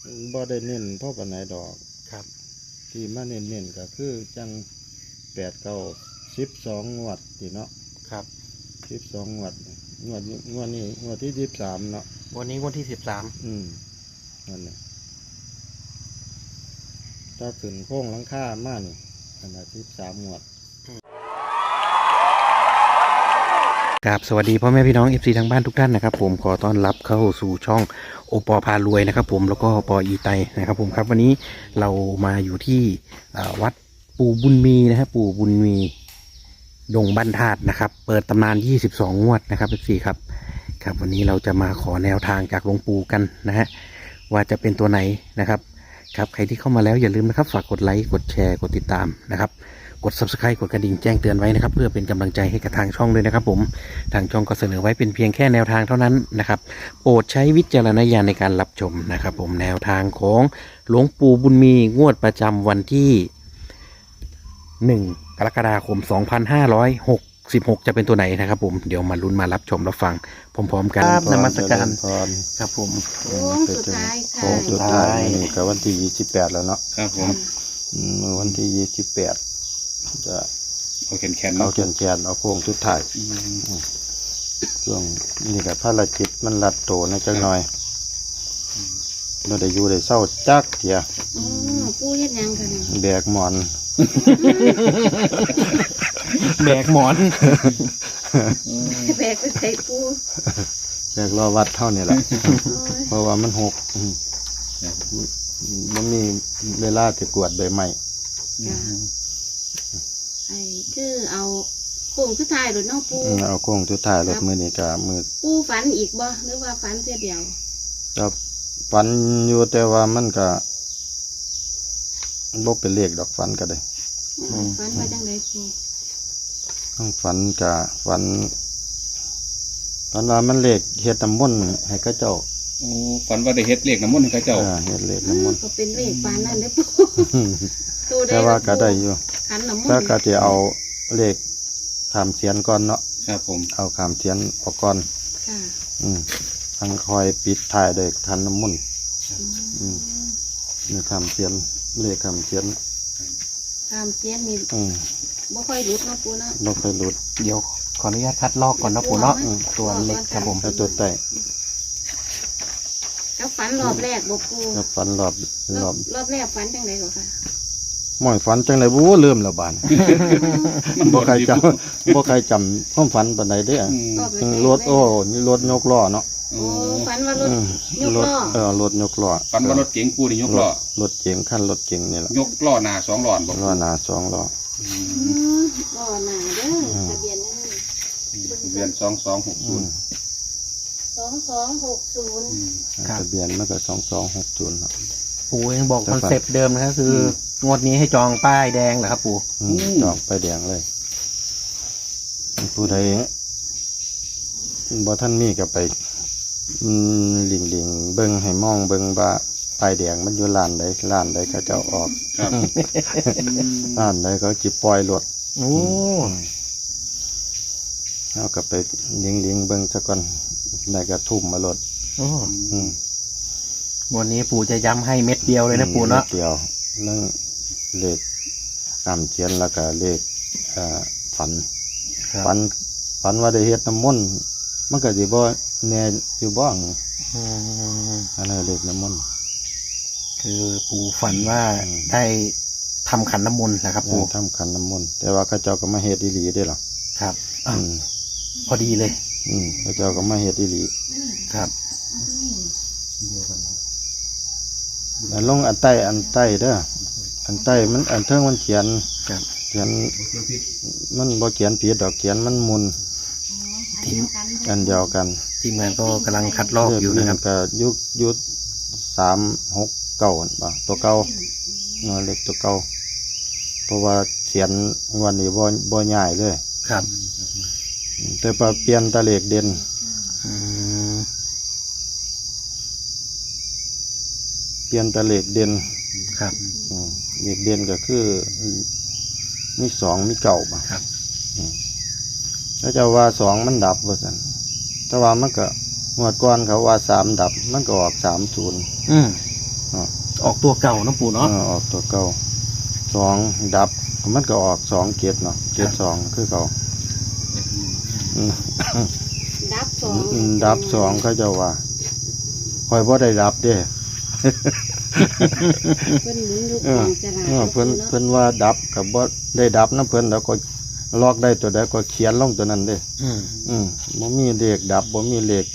บ่ได้เน้นพ่อปานไหนดอกครับที่มาเน้นก็คือจัง8 9 12 งวดที่เนาะครับ 12 งวดงวดนี้งวดที่23เนาะวันนี้วันที่13 นั่นแหละถ้าขึ้นโค้งหลังคามานี่ขนาด13 งวดครับสวัสดีพ่อแม่พี่น้อง FC ทางบ้านทุกท่านนะครับผมขอต้อนรับเข้าสู่ช่องโอปอพารวยนะครับผมแล้วก็ปออีไตนะครับผมครับวันนี้เรามาอยู่ที่วัดปู่บุญมีนะครับปู่บุญมีดงบ้านธาตุนะครับเปิดตำนาน22 งวดนะครับ FC ครับครับวันนี้เราจะมาขอแนวทางจากหลวงปู่กันนะฮะว่าจะเป็นตัวไหนนะครับครับใครที่เข้ามาแล้วอย่าลืมนะครับฝากกดไลค์กดแชร์กดติดตามนะครับกด Subscribe กดกระดิ่งแจ้งเตือนไว้นะครับเพื่อเป็นกำลังใจให้กับทางช่องด้วยนะครับผมทางช่องก็เสนอไว้เป็นเพียงแค่แนวทางเท่านั้นนะครับโปรดใช้วิจารณญาณในการรับชมนะครับผมแนวทางของหลวงปู่บุญมีงวดประจำวันที่1 กรกฎาคม 2566จะเป็นตัวไหนนะครับผมเดี๋ยวมาลุ้นมารับชมรับฟังพร้อมๆกันนมัสการครับผมโค้งสุดท้ายค่ะโค้งสุดท้ายนี่ก็วันที่28แล้วเนาะครับผมวันที่28จะเอาแขนเอาแขนเอาโค้งสุดท้ายช่วงนี้ก็ภารกิจมันรัดโตนะจังหน่อยเราได้อยู่ได้เศร้าจักเถียปูเฮ็ดยังกันแบกหมอนแบกหมอนแบกไปใส่ปูแบกรอวัดเท่านี้แหละเพราะว่ามันหกมันมีเวลาจะกวดใบไม้ไอ้คือเอาโค้งสุดท้ายหรือน้องปูเอาโค้งสุดท้ายรถมือนี่กับมือปูฝันอีกบ่หรือว่าฝันเพียเดียวจะฝันอยู่แต่ว่ามันก็บ่เป็นเลขดอกฝันก็ได้ฝันว่าจังไดปูต้องฝันกับฝันว่ามันเลขเฮ็ดน้ำมนต์ให้เขาเจ้าฝันว่าได้เฮ็ดเลขน้ำมนต์ให้เจ้าเฮ็ดเลขน้ำมนต์ก็เป็นเลขฝันนั่นเด้ปูแต่ว่าก็ได้อยู่ขันน้ำมนต์ถ้าก็จะเอาเลขขามเสียนก่อนเนาะครับผมเอาขามเสียนออกก่อนค่ะทั้งคอยปิดท้ายด้วยขันน้ำมนต์นี่ขามเสียนเลขขามเสียนนี่บ่ค่อยหลุดเนาะปูเนาะบ่ค่อยหลุดเดี๋ยวขออนุญาตคัดลอกก่อนนะปู่เนาะตัวเล็กครับผมตัวใต้แล้วฝันรอบแรกบ่ปูแล้วฝันรอบแรกฝันจังได๋ก็ค่ะหม่อยฝันจังได๋บ่ลืมแล้วบาดบ่ใครจำความฝันปานใดเด้อรถนี่รถยกล้อเนาะฝันว่ารถยกล้อรถยกล้อฝันว่ารถเก๋งปูนี่ยกล้อรถเก๋งคันรถเก๋งนี่แหละยกล้อหน้า2 ล้อบ่ล้อหน้า2 ล้อล้อหน้าเด้อทะเบียนนั่นทะเบียน2260 2260 ทะเบียนมันก็2260เนาะปู่ยังบอกคอนเซ็ปต์เดิมนะครับคืองวดนี้ให้จองป้ายแดงเหรอครับปู่จองป้ายแดงเลยผู้ใดบ่ท่านมีก็ไปหลิงเบิ่งให้มองเบิ่งว่าป้ายแดงมันอยู่ร้านใดเขาเจ้าออกครับร้านใดเขาจิปล่อยรถเอาก็ไปหลิงเบิ่งซะก่อนได้ก็ทุ่มมารถวันนี้ปู่จะย้ำให้เม็ดเดียวเลยนะปู่เนาะเดียวนั่งเลขตามเขียนแล้วก็เลขฝันว่าได้เฮ็ดน้ำมนต์มันก็สิบ่แน่อยู่บ้างอะไรเลขน้ำมนต์คือปู่ฝันว่าได้ทำขันน้ำมนต์นะครับปู่ทำขันน้ำมนต์แต่ว่าเขาเจ้าก็มาเฮ็ดอีหลีได้หรอครับพอดีเลยเขาเจ้าก็มาเฮ็ดอีหลีครับลงอันใต้เด้ออันใต้มันอันเทิงมันเขียนมันบ่เขียนผิดดอกเขียนมันมุนอันเดียวกันทีมงานก็กำลังคัดลอกอยู่นะครับก็ยุด369ป่ะตัวเก่าเนาะเล็กตัวเก่าเพราะว่าเขียนวันนี้บ่ใหญ่เลยครับแต่พอเปลี่ยนตะเลขเด่นเปลี่ยนตะเลขเด่นครับเลขเด่นก็คือมี2มี9ป่ะครับแล้วจะว่า2มันดับว่าซั่นแต่ว่ามันก็งวดก่อนเขาว่า3ดับมันก็ออก30 ออกตัวเก่านะปู่เนาะออกตัวเก่าสองดับมันก็ออกสองเกตเนาะเกตสองคือเก่าอืมดับสองดับสองเขาเจะว่าคอยบ่ได้ดับเด้เพิ่นหมุนลูกเออของจราเพิ่นว่าดับกับบ่ได้ดับนะเพิ่นแล้วก็ลอกได้ตัวใดก็เขียนลงตัวนั้นเด้ บ่มีเลขดับบ่มีเลข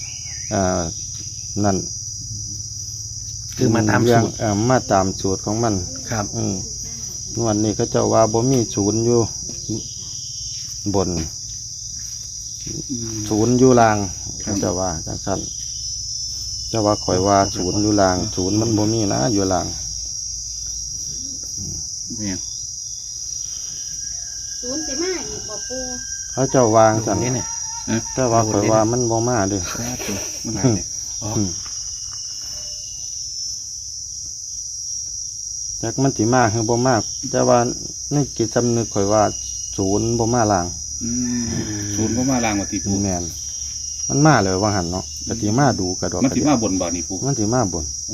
นั่นคือมาตามเรื่สูองตรมาตามสูตรของมันครับนวดนี้เขาเจ้าว่าบ่มีศูนย์อยู่บน ศูนย์อยู่ล่างเขาเจ้าว่าจังซั่นเจ้าว่าข่อยว่าศูนย์อยู่ล่างศูนย์มันบ่มีนะอยู่ล่างเนี่ยศูนย์สิมาอีกบ่ปูเขาเจ้าวางซั่นนี่เนี่ยแต่ว่าข่อยว่ามันบ่มาเด้มันหายเนี่ยอ๋อจักมันสิมาคือบ่มาแต่ว่าในจิตสำนึกข่อยว่าศูนย์บ่มาล่างศูนย์ก็มาล่างมาตีปูแม่นมันมาเลยว่าหั่นเนาะก็สิมาดูกระดอกมันกระสิเดียมาบนบ่อนี่ปูมันสิมาบนโอ้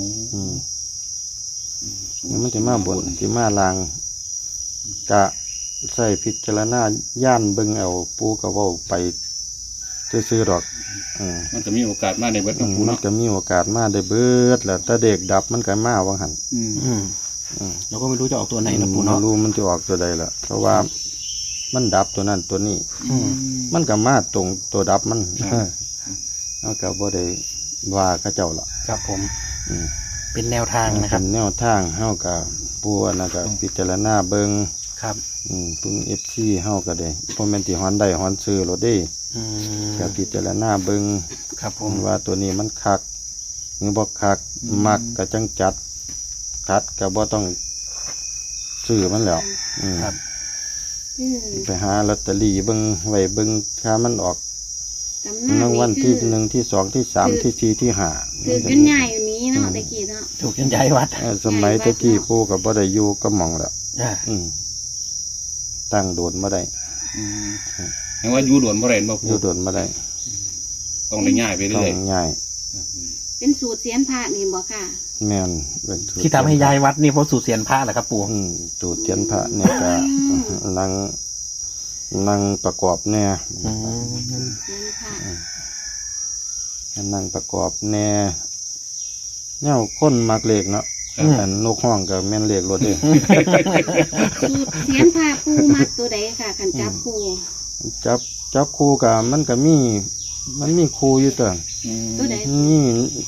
มันสิมาบนสิมาล่างกะใส่พิจารณาย่านเบิ่งเอาปูก็เว้าไปซื่อๆดอกมมันจะมีโอกาสมาในเบิดของปูมันเนาะก็มีโอกาสมาได้เบิดแหละถ้าเด็กดับมันก็มาว่าหั่นเราก็ไม่รู้จะออกตัวไหนนะปู่ไม่เนาะรู้มันจะออกตัวใดล่ะเพราะว่ามันดับตัวนั้นตัวนี้ มันก็มาตรงตัวดับมันเอาก็บ่ได้ว่าเขาเจ้าล่ะครับผมอืมเป็นแนวทางนะครับเป็นแนวทางเฮาก็ปู่น่ะก็พิจารณาเบิ่งครับพึ่ง FC เฮาก็ได้บ่แม่นสิฮ้อนได้ฮ้อนซื้อโลดเด้อืมก็พิจารณาเบิ่งครับผมว่าตัวนี้มันคักหรือบ่คักมักก็จังจัดคัดก็บ่ต้องซื้อมันแล้วครับไปหาลอตเตอรี่เบิ่งไว้เบิ่งถ้ามันออกกำนัรางวัลนี่ที่คือ 1ที่2ที่3ที่4ที่5 คือกันใหญ่อยู่นี้เนาะตะกี้เนาะถูกยันย้ายวัดสมัยตะกี้ปู่ก็บ่ได้อยู่ก็หม่องแล้วอ่าตั้งโดดบ่ได้เห็นว่าอยู่ด่วนบ่ได้บ่อปูยู่โดดบ่ได้ต้องได้ง่ายไปต้อเรื่อยงง่ายเป็นสูตรเสียนพระนี่บ่ค่ะแม่นเป็นสูตรที่ทำให้ย้ายวัดนี่เพราะสูตรเสียนพระเหรอครับปู่สูตรเทียนพระเนี่ยก็นั่งประกอบแน่อืมเสียนพระนั่งประกอบแน่แนวคนมักเลขเนาะอันนกห้องก็แม่นเลขรถเด้สูตรเสียนพระปูมักตัวใดค่ะคันจับปูจับคู่กับมันก็มีคู่อยู่ตัวตัวใดนี่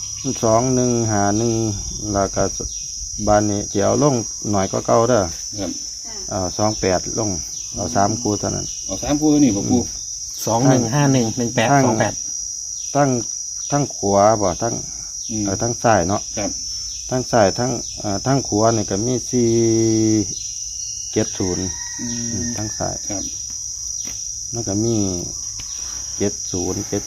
2151แล้วก็บานนี้สิเอาลงหน่อยก็เก่าเด้อครับ 28ลงเอา3คู่เท่านั้นเอา3ปูนี่บ่ปู 21511828 ทั้งขวาบ่ทั้งซ้ายเนาะครับทั้งซ้ายทั้งขวานี่ก็มี470ทั้งซ้ายครับแล้วก็มี70 ครับ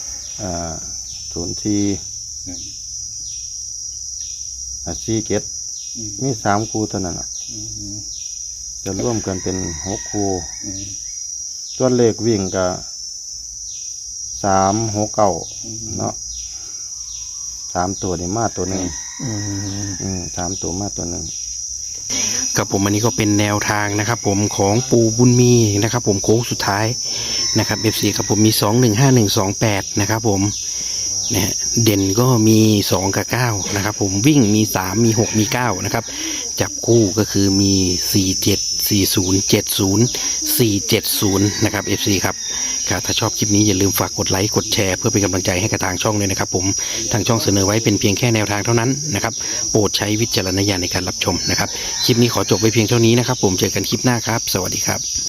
47มี3คู่เท่านั้นน่ะจะร่วมกันเป็น6คู่ตัวเลขวิ่งก็369เนาะ3ตัวนี่มาตัวหนึง3ตัวมาตัวหนึงครับผมอันนี้ก็เป็นแนวทางนะครับผมของปู่บุญมีนะครับผมโค้งสุดท้ายนะครับ FC ครับผมมี215128นะครับผมนะฮะเด่นก็มี2กับ9นะครับผมวิ่งมี3มี6มี9นะครับจับคู่ก็คือมี474070 นะครับ FC ครับถ้าชอบคลิปนี้อย่าลืมฝากกดไลค์กดแชร์เพื่อเป็นกำลังใจให้กับทางช่องเลยนะครับผมทางช่องเสนอไว้เป็นเพียงแค่แนวทางเท่านั้นนะครับโปรดใช้วิจารณญาณในการรับชมนะครับคลิปนี้ขอจบไว้เพียงเท่านี้นะครับผมเจอกันคลิปหน้าครับสวัสดีครับ